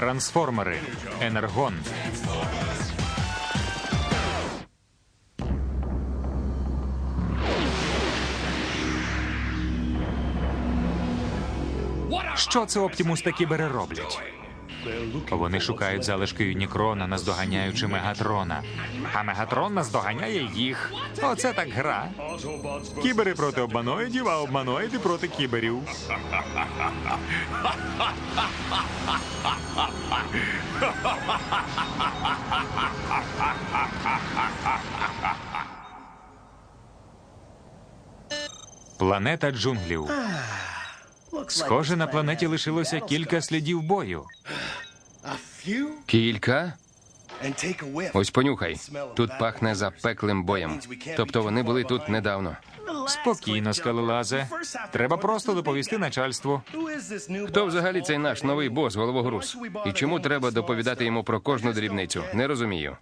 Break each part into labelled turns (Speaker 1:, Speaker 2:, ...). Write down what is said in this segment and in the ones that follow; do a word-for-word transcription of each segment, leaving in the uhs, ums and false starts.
Speaker 1: Трансформери. Енергон. Що це Оптімус та Кібери роблять? Вони шукають залишки Юнікрона, наздоганяючи Мегатрона. А Мегатрон наздоганяє їх. Оце так гра. Кібери проти обманоїдів, а обманоїди проти кіберів. Планета джунглів. Схоже, на планеті лишилося кілька слідів бою.
Speaker 2: Кілька? Ось понюхай. Тут пахне запеклим боєм. Тобто вони були тут недавно.
Speaker 1: Спокійно, скелелазе. Треба просто доповісти начальству.
Speaker 2: Хто взагалі цей наш новий бос, головогруз? І чому треба доповідати йому про кожну дрібницю? Не розумію.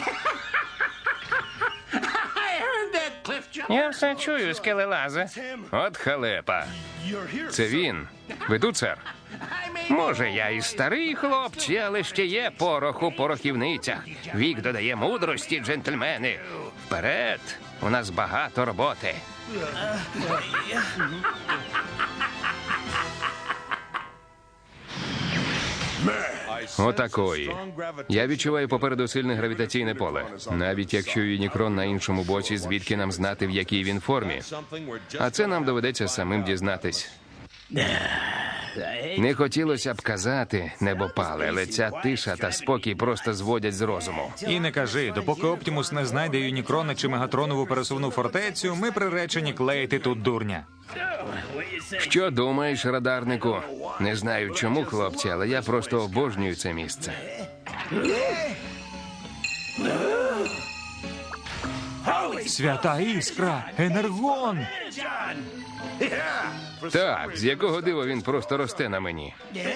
Speaker 3: Я все чую, скелелазе.
Speaker 2: От халепа. Це він. Ви тут, сер?
Speaker 3: Може, я і старий хлопці, але ще є порох у порохівницях. Вік додає мудрості, джентльмени. Вперед! У нас багато роботи.
Speaker 2: Отакої. Я відчуваю попереду сильне гравітаційне поле. Навіть якщо Юнікрон на іншому боці, звідки нам знати, в якій він формі? А це нам доведеться самим дізнатись. Не хотілося б казати, небопале, але ця тиша та спокій просто зводять з розуму.
Speaker 1: І не кажи, допоки Оптімус не знайде Юнікрона чи Мегатронову пересувну фортецю, ми приречені клеїти тут дурня.
Speaker 2: Що думаєш, радарнику? Не знаю чому, хлопці, але я просто обожнюю це місце.
Speaker 1: Свята іскра! Енергон!
Speaker 2: Так, з якого дива він просто росте на мені?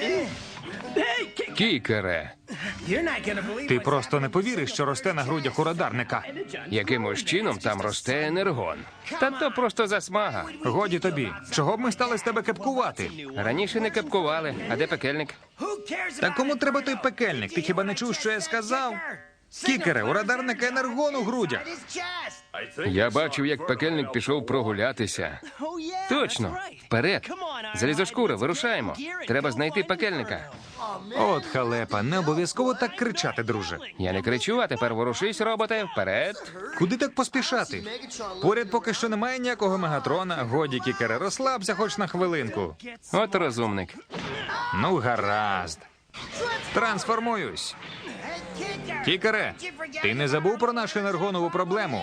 Speaker 2: Кікере,
Speaker 1: Ти просто не повіриш, що росте на грудях у радарника.
Speaker 2: якимось чином там росте енергон. Та то просто засмага.
Speaker 1: Годі тобі. Чого б ми стали з тебе кепкувати?
Speaker 2: Раніше не кепкували. А де пекельник?
Speaker 1: Та кому треба той пекельник? Ти хіба не чув, що я сказав? Кікере, у радарника енергон у грудях.
Speaker 2: Я бачив, як пекельник пішов прогулятися. Точно. Вперед. Залізошкура, вирушаємо. Треба знайти пекельника.
Speaker 1: От халепа, не обов'язково так кричати, друже.
Speaker 2: Я не кричу, а тепер ворушись, роботе. Вперед.
Speaker 1: Куди так поспішати? Поряд поки що немає ніякого Мегатрона. Годі, Кікере, розслабся хоч на хвилинку.
Speaker 2: От розумник.
Speaker 1: Ну, гаразд. Трансформуюсь. Кікере, ти не забув про нашу енергонову проблему?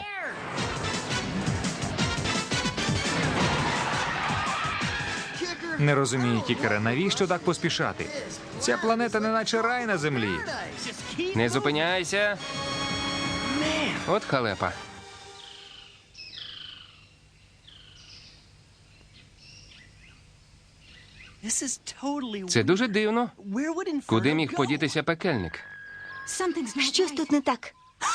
Speaker 1: Не розумію, Кікере, навіщо так поспішати? Ця планета не наче рай на землі.
Speaker 2: Не зупиняйся. От халепа. Це дуже дивно. Куди міг подітися пекельник?
Speaker 4: Щось тут не так.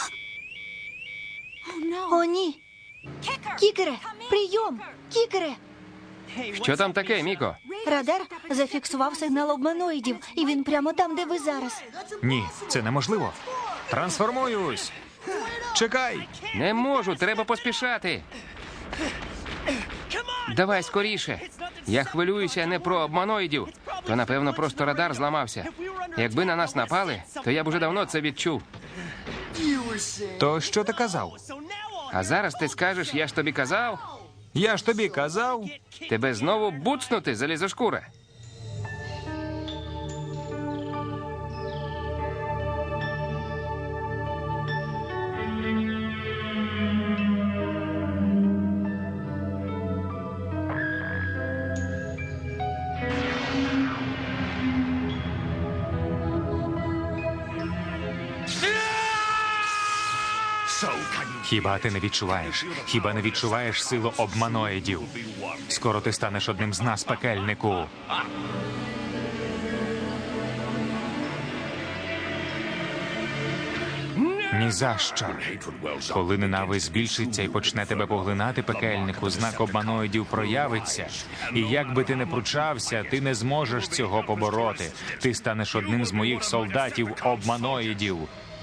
Speaker 4: О, ні. Кікере, прийом! Кікере!
Speaker 2: Що там таке, Міко?
Speaker 4: Радар зафіксував сигнал обманоїдів, і він прямо там, де ви зараз.
Speaker 1: Ні, це неможливо. Трансформуюсь. Чекай.
Speaker 2: Не можу, треба поспішати. Давай скоріше. Я хвилююся не про обманоїдів, то, напевно, просто радар зламався. Якби на нас напали, то я б уже давно це відчув.
Speaker 1: То що ти казав?
Speaker 2: А зараз ти скажеш, я ж тобі казав?
Speaker 1: Я ж тобі казав.
Speaker 2: Тебе знову буцнути, залізошкура.
Speaker 1: Хіба ти не відчуваєш? Хіба не відчуваєш силу обманоїдів? Скоро ти станеш одним з нас, пекельнику. Ні за що. Коли ненависть збільшиться і почне тебе поглинати, пекельнику, знак обманоїдів проявиться. І як би ти не пручався, ти не зможеш цього побороти. Ти станеш одним з моїх солдатів обманоїдів.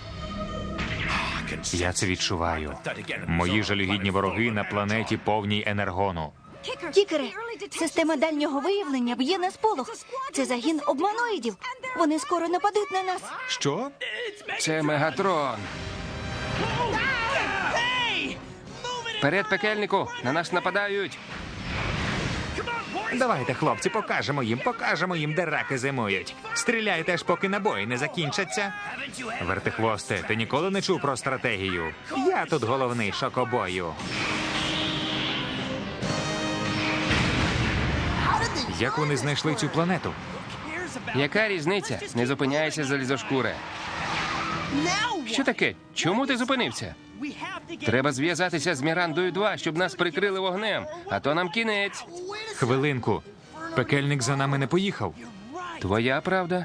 Speaker 1: Я це відчуваю. Мої жалюгідні вороги на планеті повній енергону.
Speaker 4: Кікере, система дальнього виявлення б'є на сполох. Це загін обманоїдів. Вони скоро нападуть на нас.
Speaker 1: Що?
Speaker 2: Це Мегатрон. Вперед, пекельнику! На нас нападають!
Speaker 1: Давайте, хлопці, покажемо їм, покажемо їм, де раки зимують. Стріляйте аж поки набої не закінчаться. Вертихвосте, ти ніколи не чув про стратегію? Я тут головний шокобою. Як вони знайшли цю планету?
Speaker 2: Яка різниця? Не зупиняйся, залізошкуре. Що таке? Чому ти зупинився? Треба зв'язатися з Мірандою два, щоб нас прикрили вогнем, а то нам кінець.
Speaker 1: Хвилинку. Пекельник за нами не поїхав.
Speaker 2: Твоя правда?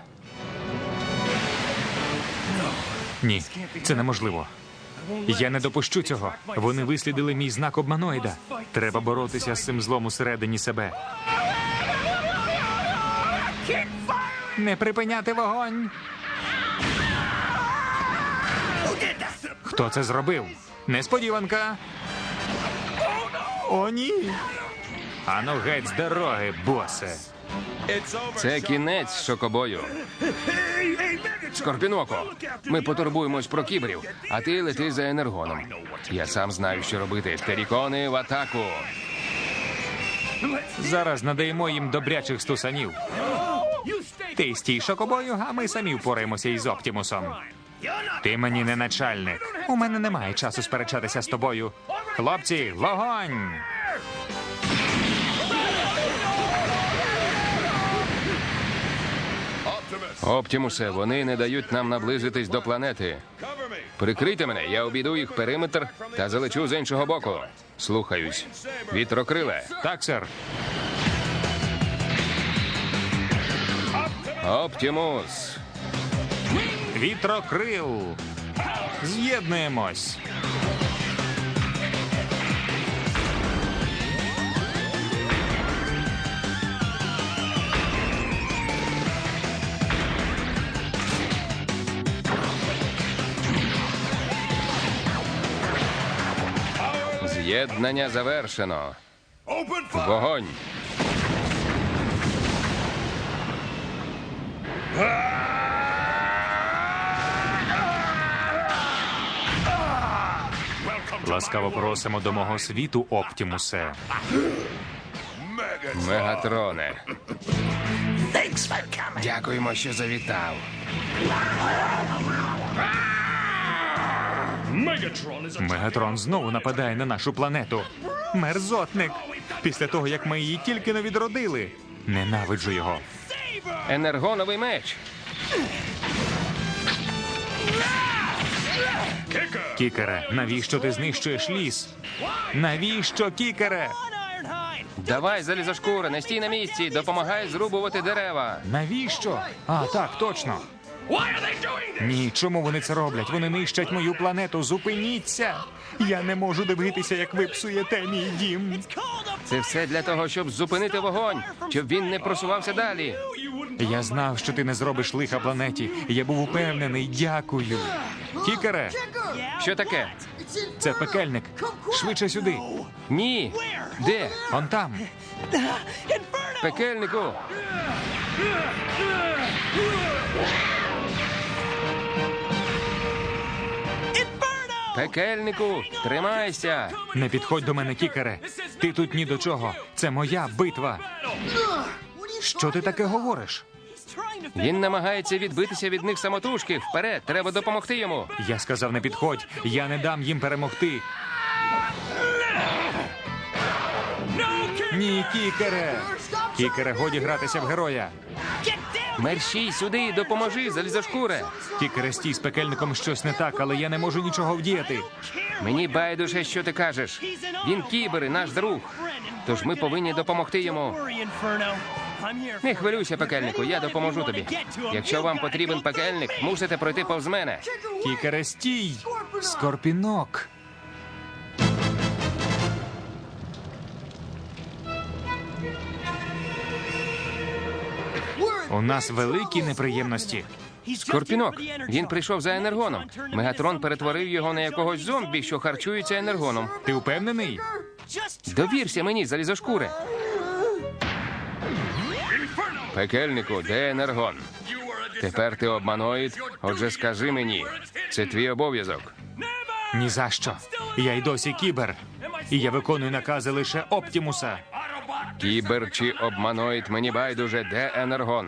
Speaker 1: Ні, це неможливо. Я не допущу цього. Вони вислідили мій знак обманоїда. Треба боротися з цим злом усередині себе. Не припиняти вогонь. Хто це зробив? Несподіванка. О, ні. Ану геть з дороги, босе.
Speaker 2: Це кінець шокобою. Скорпіноко, ми потурбуємось про кіберів, а ти лети за енергоном. Я сам знаю, що робити. Терікони в атаку.
Speaker 1: Зараз надаємо їм добрячих стусанів. Ти стій, шокобою, а ми самі впораємося із Оптімусом. Ти мені не начальник. У мене немає часу сперечатися з тобою. Хлопці, вогонь!
Speaker 2: Оптімусе, вони не дають нам наблизитись до планети. Прикрийте мене, я обійду їх периметр та залечу з іншого боку. Слухаюсь. Вітрокриле.
Speaker 1: Так, сер.
Speaker 2: Оптімус.
Speaker 1: Вітрокрил. З'єднуємось.
Speaker 2: З'єднання завершено. Вогонь.
Speaker 1: Ласкаво просимо до мого світу, Оптімусе.
Speaker 2: Мегатроне. Дякуємо, що завітав.
Speaker 1: Мегатрон знову нападає на нашу планету. Мерзотник. Після того, як ми її тільки не відродили. Ненавиджу його.
Speaker 2: Енергоновий меч.
Speaker 1: Кікере, навіщо ти знищуєш ліс? Навіщо, Кікере?
Speaker 2: Давай, залізошкура, не стій на місці, допомагай зрубувати дерева.
Speaker 1: Навіщо? А, так, точно. Ні, чому вони це роблять? Вони нищать мою планету. Зупиніться! Я не можу дивитися, як ви псуєте мій дім.
Speaker 2: Це все для того, щоб зупинити вогонь, щоб він не просувався далі.
Speaker 1: Я знав, що ти не зробиш лиха планеті. Я був упевнений. Дякую. Кікере,
Speaker 2: Що таке?
Speaker 1: це пекельник. Швидше сюди.
Speaker 2: Ні. Де?
Speaker 1: Он там.
Speaker 2: Пекельнику. Пекельнику, тримайся.
Speaker 1: Не підходь до мене, Кікере. Ти тут ні до чого. Це моя битва. Що ти таке говориш?
Speaker 2: Він намагається відбитися від них самотужки. Вперед, треба допомогти йому.
Speaker 1: Я сказав, не підходь. Я не дам їм перемогти. Ні, Кікере. Кікере, годі гратися в героя.
Speaker 2: Мерщій сюди, допоможи, залізошкуре.
Speaker 1: Кікере, стій, з пекельником щось не так, але я не можу нічого вдіяти.
Speaker 2: Мені байдуже, що ти кажеш. Він кібер і наш друг. Тож ми повинні допомогти йому. Не хвилюйся, пекельнику, я допоможу тобі. Якщо вам потрібен пекельник, мусите пройти повз мене.
Speaker 1: Кікере, стій. Скорпінок. У нас великі неприємності.
Speaker 2: Скорпінок. Він прийшов за енергоном. Мегатрон перетворив його на якогось зомбі, що харчується енергоном.
Speaker 1: Ти впевнений?
Speaker 2: Довірся мені, залізошкуре. Пекельнику, де енергон? Тепер ти обманоїд, отже скажи мені. Це твій обов'язок.
Speaker 1: Ні за що. Я й досі кібер. І я виконую накази лише Оптімуса.
Speaker 2: Кібер чи обманоїд, мені байдуже, де енергон?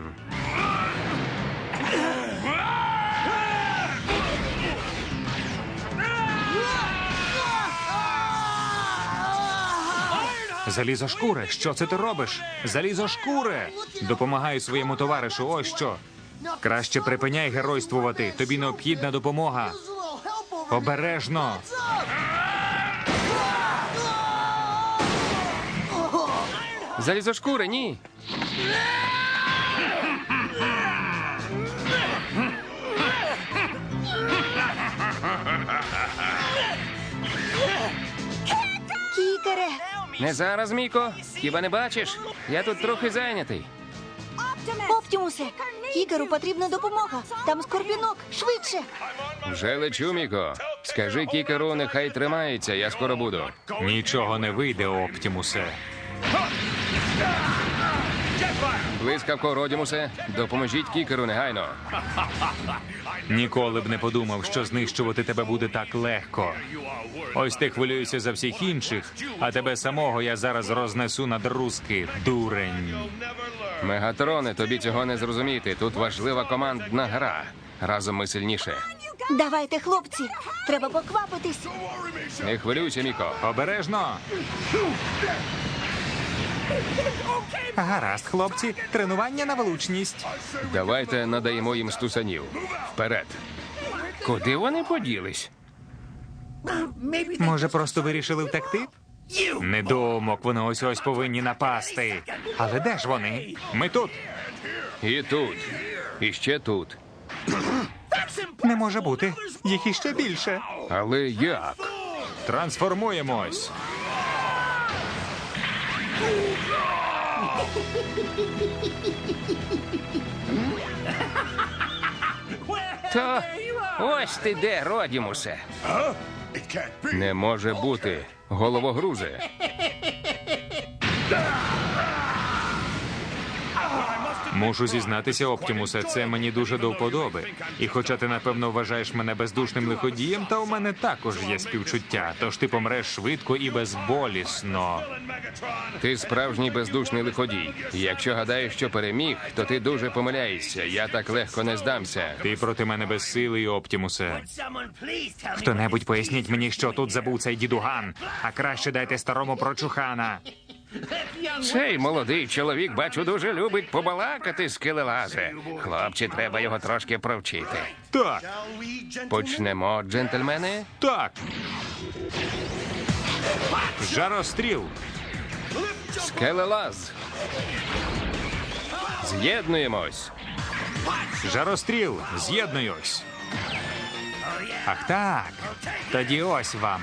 Speaker 1: Залізошкуре, що це ти робиш? Залізошкуре! Допомагай своєму товаришу, ось що. Краще припиняй геройствувати. Тобі необхідна допомога. Обережно.
Speaker 2: Залізошкуре, ні.
Speaker 4: Кікере!
Speaker 2: Не зараз, Міко. Хіба не бачиш? Я тут трохи зайнятий.
Speaker 4: Оптімусе! Кікеру потрібна допомога. Там Скорпінок. Швидше!
Speaker 2: Вже лечу, Міко. Скажи кікеру, нехай тримається, я скоро буду.
Speaker 1: Нічого не вийде, Оптімусе.
Speaker 2: Блискавко, Родімусе, допоможіть кікеру негайно.
Speaker 1: Ніколи б не подумав, що знищувати тебе буде так легко. Ось ти хвилюєшся за всіх інших, а тебе самого я зараз рознесу на друзки, дурень.
Speaker 2: Мегатроне, тобі цього не зрозуміти. Тут важлива командна гра. Разом ми сильніше.
Speaker 4: Давайте, хлопці! Треба поквапитись!
Speaker 2: Не хвилюйся, Міко.
Speaker 1: Обережно. Гаразд, хлопці. Тренування на влучність.
Speaker 2: Давайте надаємо їм стусанів. Вперед. Куди вони поділись?
Speaker 1: Може, просто вирішили втекти? Недоумок, вони ось-ось повинні напасти. Але де ж вони? Ми тут.
Speaker 2: І тут. І ще тут.
Speaker 1: Не може бути. Їх іще більше.
Speaker 2: Але як?
Speaker 1: Трансформуємось.
Speaker 2: То ось ти де, Родімусе. Не може бути. Головогрузе.
Speaker 1: Мушу зізнатися, Оптімусе, це мені дуже до вподоби. І хоча ти, напевно, вважаєш мене бездушним лиходієм, та у мене також є співчуття, тож ти помреш швидко і безболісно.
Speaker 2: Ти справжній бездушний лиходій. Якщо гадаєш, що переміг, то ти дуже помиляєшся. Я так легко не здамся.
Speaker 1: Ти проти мене безсилий, Оптімусе. Хто-небудь поясніть мені, що тут забув цей дідуган, а краще дайте старому прочухана.
Speaker 2: Цей молодий чоловік, бачу, дуже любить побалакати, скелелазе. Хлопці, треба його трошки провчити.
Speaker 1: Так,
Speaker 2: Почнемо, джентльмени.
Speaker 1: так. Жаростріл.
Speaker 2: Скелелаз. З'єднуємось.
Speaker 1: Жаростріл, з'єднуюсь. Ах так, тоді ось вам.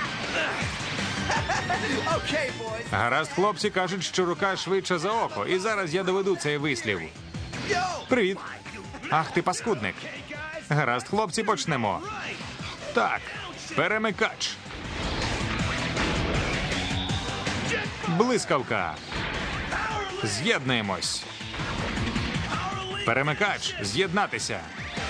Speaker 1: Гаразд, хлопці кажуть, що рука швидша за око, і зараз я доведу цей вислів. Привіт. Ах ти паскудник. Гаразд, хлопці, почнемо. Так, перемикач. Блискавка. З'єднуємось. Перемикач, з'єднатися.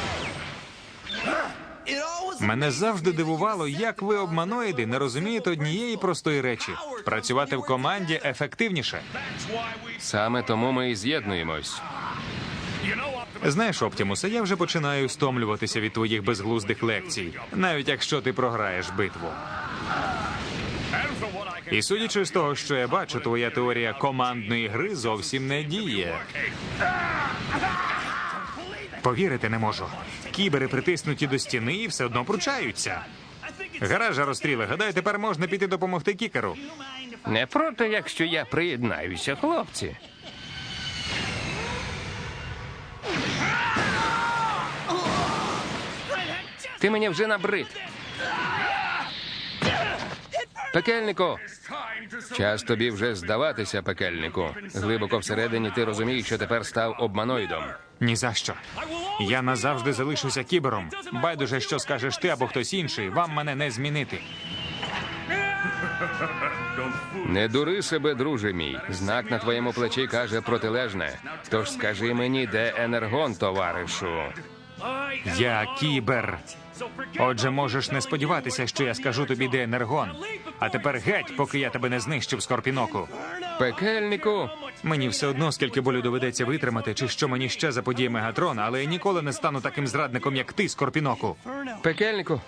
Speaker 1: Мене завжди дивувало, як ви, обманоїди, не розумієте однієї простої речі. Працювати в команді ефективніше.
Speaker 2: Саме тому ми і з'єднуємось.
Speaker 1: Знаєш, Оптімусе, я вже починаю стомлюватися від твоїх безглуздих лекцій, навіть якщо ти програєш битву. І судячи з того, що я бачу, твоя теорія командної гри зовсім не діє. Повірити не можу. Кібери притиснуті до стіни і все одно пручаються. Гаразд, Жаростріле, гадаю, тепер можна піти допомогти кікеру.
Speaker 2: Не проти, якщо я приєднаюся, хлопці. Ти мені вже набрид. Пекельнику! Час тобі вже здаватися, пекельнику. Глибоко всередині ти розумієш, що тепер став обманоїдом.
Speaker 1: Ні за що. Я назавжди залишуся кібером. Байдуже, що скажеш ти або хтось інший, вам мене не змінити.
Speaker 2: Не дури себе, друже мій. Знак на твоєму плечі каже протилежне. Тож скажи мені, де енергон, товаришу?
Speaker 1: Я кібер. Отже, можеш не сподіватися, що я скажу тобі, де енергон. А тепер геть, поки я тебе не знищив, Скорпіноку.
Speaker 2: Пекельнику!
Speaker 1: Мені все одно, скільки болю доведеться витримати, чи що мені ще заподіє Мегатрон, але я ніколи не стану таким зрадником, як ти, Скорпіноку.
Speaker 2: Пекельнику!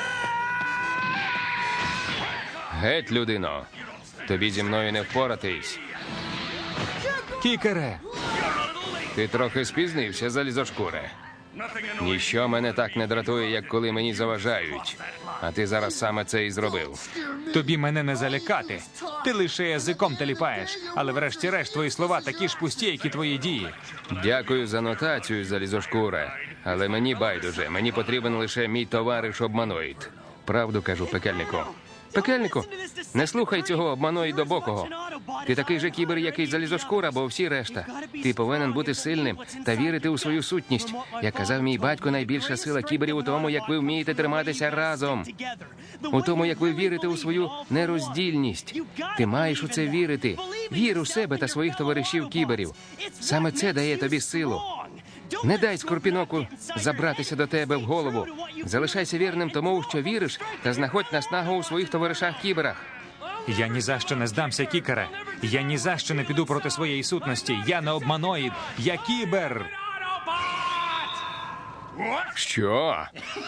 Speaker 2: Геть, людино! Тобі зі мною не впоратись.
Speaker 1: Кікере!
Speaker 2: Ти трохи спізнився, залізошкуре. Ніщо мене так не дратує, як коли мені заважають. А ти зараз саме це і зробив.
Speaker 1: Тобі мене не залякати. Ти лише язиком теліпаєш, але врешті-решт твої слова такі ж пусті, як і твої дії.
Speaker 2: Дякую за нотацію, залізошкуре. Але мені байдуже, мені потрібен лише мій товариш обманоїд. Правду кажу, пекельнику. Пекельнику, не слухай цього обманоїдобокого. Ти такий же кібер, як і залізошкура, бо всі решта. Ти повинен бути сильним та вірити у свою сутність. Як казав мій батько, найбільша сила кіберів у тому, як ви вмієте триматися разом. У тому, як ви вірите у свою нероздільність. Ти маєш у це вірити. Вір у себе та своїх товаришів кіберів. Саме це дає тобі силу. Не дай Скорпіноку забратися до тебе в голову. Залишайся вірним тому, що віриш, та знаходь наснагу у своїх товаришах-кіберах.
Speaker 1: Я ні за що не здамся, Кікере. Я ні за що не піду проти своєї сутності. Я не обманоїд, я кібер.
Speaker 2: Що?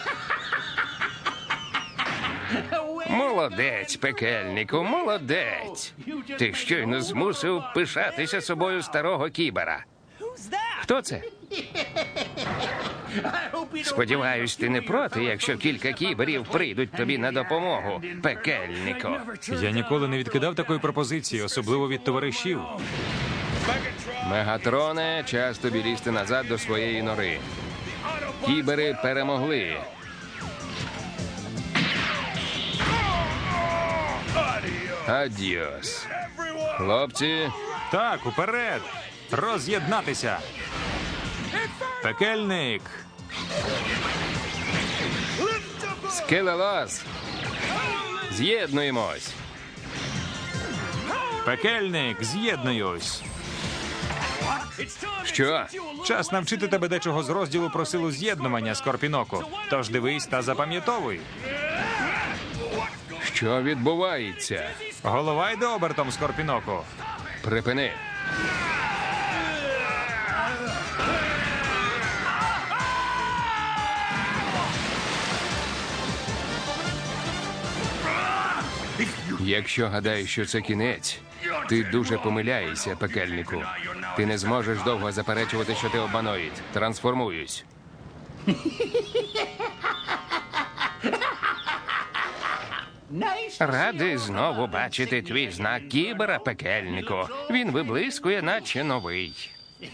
Speaker 2: Молодець, пекельнику, молодець. Ти щойно змусив пишатися собою старого кібера. Хто це? Сподіваюсь, ти не проти, якщо кілька кіберів прийдуть тобі на допомогу, пекельнику.
Speaker 1: Я ніколи не відкидав такої пропозиції, особливо від товаришів.
Speaker 2: Мегатроне, час тобі лізти назад до своєї нори. Кібери перемогли. Адіос. Хлопці,
Speaker 1: Так, уперед! Роз'єднатися! Пекельник!
Speaker 2: скелелаз. З'єднуємось.
Speaker 1: Пекельник, з'єднуюсь!
Speaker 2: Що?
Speaker 1: Час навчити тебе дечого з розділу про силу з'єднування, Скорпіноку. Тож дивись та запам'ятовуй.
Speaker 2: Що відбувається?
Speaker 1: Голова йде обертом, Скорпіноку.
Speaker 2: Припини. Якщо гадаєш, що це кінець, ти дуже помиляєшся, пекельнику. Ти не зможеш довго заперечувати, що ти обманоїд. Трансформуюсь. Радий знову бачити твій знак кібера, пекельнику. Він виблискує, наче новий.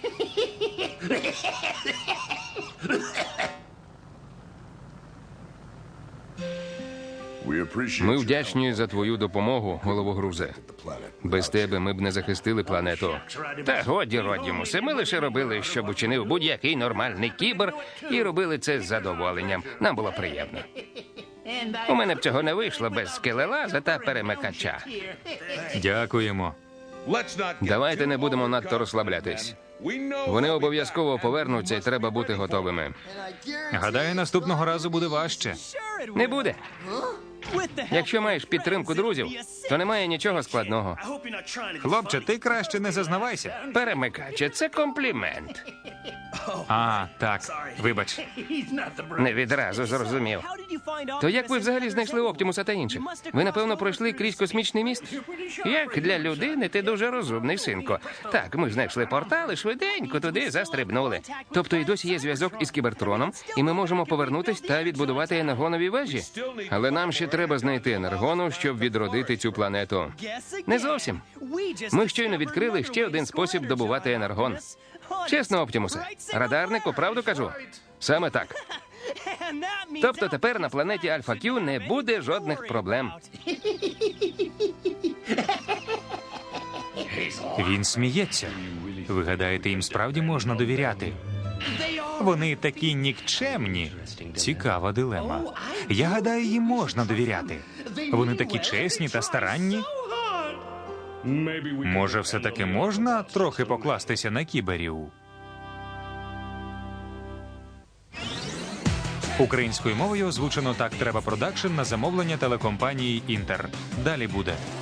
Speaker 2: Ми вдячні за твою допомогу, головогрузе. Без тебе ми б не захистили планету. Та годі, Родімусе, ми лише робили, щоб учинив будь-який нормальний кібер, і робили це з задоволенням. Нам було приємно. У мене б цього не вийшло без скелелаза та перемикача.
Speaker 1: Дякуємо.
Speaker 2: Давайте не будемо надто розслаблятись. Вони обов'язково повернуться, і треба бути готовими.
Speaker 1: Гадаю, наступного разу буде важче.
Speaker 2: Не буде. Якщо маєш підтримку друзів, то немає нічого складного.
Speaker 1: Хлопче, ти краще не зазнавайся.
Speaker 2: Перемикаче – це комплімент.
Speaker 1: А, так, вибач.
Speaker 2: Не відразу зрозумів. То як ви взагалі знайшли Оптімуса та інших? Ви, напевно, пройшли крізь космічний міст? Як для людини, ти дуже розумний, синко. Так, ми знайшли портал і швиденько туди застрибнули. Тобто і досі є зв'язок із Кібертроном, і ми можемо повернутись та відбудувати енергонові вежі? Але нам ще треба знайти енергону, щоб відродити цю планету. Не зовсім. Ми щойно відкрили ще один спосіб добувати енергон. Чесно, Оптімусе, радарнику, правду кажу? Саме так. Тобто тепер на планеті Альфа Кью не буде жодних проблем.
Speaker 1: Він сміється. Ви гадаєте, їм справді можна довіряти? Вони такі нікчемні. Цікава дилема. Я гадаю, їм можна довіряти. Вони такі чесні та старанні. Може, все-таки можна трохи покластися на кіберів? Українською мовою озвучено «Так треба продакшн» на замовлення телекомпанії «Інтер». Далі буде.